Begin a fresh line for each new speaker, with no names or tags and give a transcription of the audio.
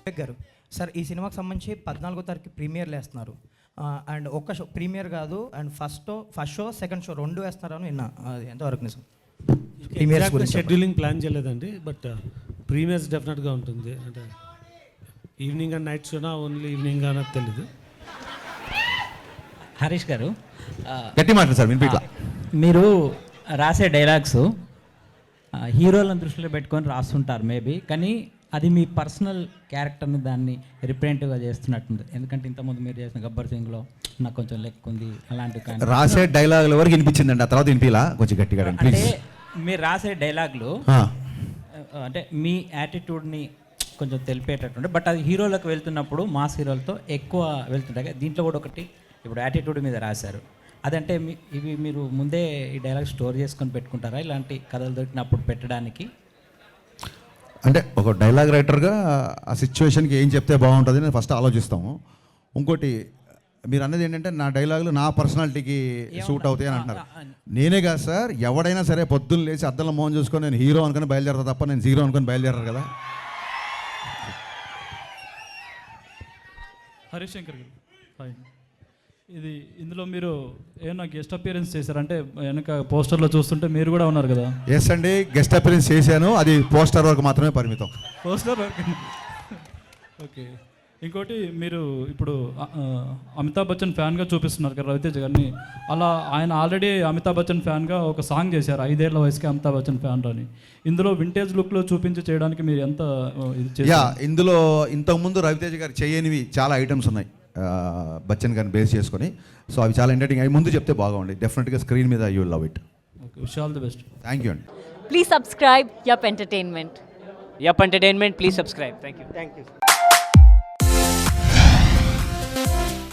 వివేక్ గారు సార్, ఈ సినిమాకి సంబంధించి 14వ తారీఖు ప్రీమియర్లు వేస్తున్నారు. అండ్ ఒక్క షో ప్రీమియర్ కాదు, and first show second show రెండు వేస్తున్నారని విన్నా. అది ఎంతవరకు నిజం?
ప్రీమియర్స్ గురించి షెడ్యూలింగ్ ప్లాన్ చేయలేదండి, బట్ ప్రీమియర్స్ డెఫినెట్గా ఉంటుంది. అంటే ఈవినింగ్ అండ్ నైట్ షోనా ఓన్లీ ఈవినింగ్ అనేది తెలీదు.
హరీష్ గారు,
గట్టి మాట సార్ వినిపిట్లా.
మీరు రాసే డైలాగ్స్ హీరోలను దృష్టిలో పెట్టుకొని రాస్తుంటారు మేబీ, కానీ అది మీ పర్సనల్ క్యారెక్టర్ని దాన్ని రిప్రజెంటివ్గా చేస్తున్నట్టుంది. ఎందుకంటే ఇంతకుముందు మీరు చేసిన గబ్బర్ సింగ్లో నాకు కొంచెం లెక్క ఉంది అలాంటివి, కానీ
రాసే డైలాగుల వరకు వినిపించిందండి, ఆ తర్వాత వినిపిలా కొంచెం గట్టిగా.
అంటే మీరు రాసే డైలాగులు అంటే మీ యాటిట్యూడ్ని కొంచెం తెలిపేటట్టుండే, బట్ అది హీరోలకు వెళ్తున్నప్పుడు మాస్ హీరోలతో ఎక్కువ వెళ్తుంటాయి. దీంట్లో కూడా ఒకటి ఇప్పుడు యాటిట్యూడ్ మీద రాశారు. అదంటే ఇవి మీరు ముందే ఈ డైలాగ్ స్టోర్ చేసుకొని పెట్టుకుంటారా ఇలాంటి కథలు దొరికినప్పుడు పెట్టడానికి?
అంటే ఒక డైలాగ్ రైటర్గా ఆ సిచ్యువేషన్కి ఏం చెప్తే బాగుంటుంది అని ఫస్ట్ ఆలోచిస్తాము. ఇంకోటి మీరు అన్నది ఏంటంటే నా డైలాగులు నా పర్సనాలిటీకి సూట్ అవుతాయి అని అంటున్నారు. నేనే కాదు సార్, ఎవడైనా సరే పొద్దున్న లేచి అద్దంలో మోహన్ చూసుకొని నేను హీరో అనుకుని బయలుదేరతా తప్ప నేను జీరో అనుకుని బయలుదేరారు కదా.
హరీష్ శంకర్ గారు, హాయ్. ఇందులో మీరు ఏమన్నా గెస్ట్ అపియరెన్స్ చేశారంటే వెనక పోస్టర్లో చూస్తుంటే మీరు కూడా ఉన్నారు కదా?
ఎస్ అండి, గెస్ట్ అపియరెన్స్ చేశాను, అది పోస్టర్ వరకు మాత్రమే పరిమితం.
పోస్టర్ వరకు. ఓకే. ఇంకోటి, మీరు ఇప్పుడు అమితాబ్ బచ్చన్ ఫ్యాన్గా చూపిస్తున్నారు కదా రవితేజ గారిని. అలా ఆయన ఆల్రెడీ అమితాబ్ బచ్చన్ ఫ్యాన్గా ఒక సాంగ్ చేశారు, 5 ఏళ్ల వయసుకి అమితాబ్ బచ్చన్ ఫ్యాన్ అని. ఇందులో వింటేజ్ లుక్లో చూపించి చేయడానికి మీరు ఎంత
ఇందులో ఇంతకుముందు రవితేజ గారు చేయనివి చాలా ఐటమ్స్ ఉన్నాయి బచ్చన్ గారిని బేస్ చేసుకొని. సో అవి చాలా ఎంటర్టైనింగ్. అవి ముందు చెప్తే బాగుంది. డెఫినెట్గా స్క్రీన్ మీద you will love it.
Okay, wish all the best.
Thank you అండి.
Please subscribe Yup Entertainment.
Yup Entertainment, please subscribe. Thank you.
Thank you.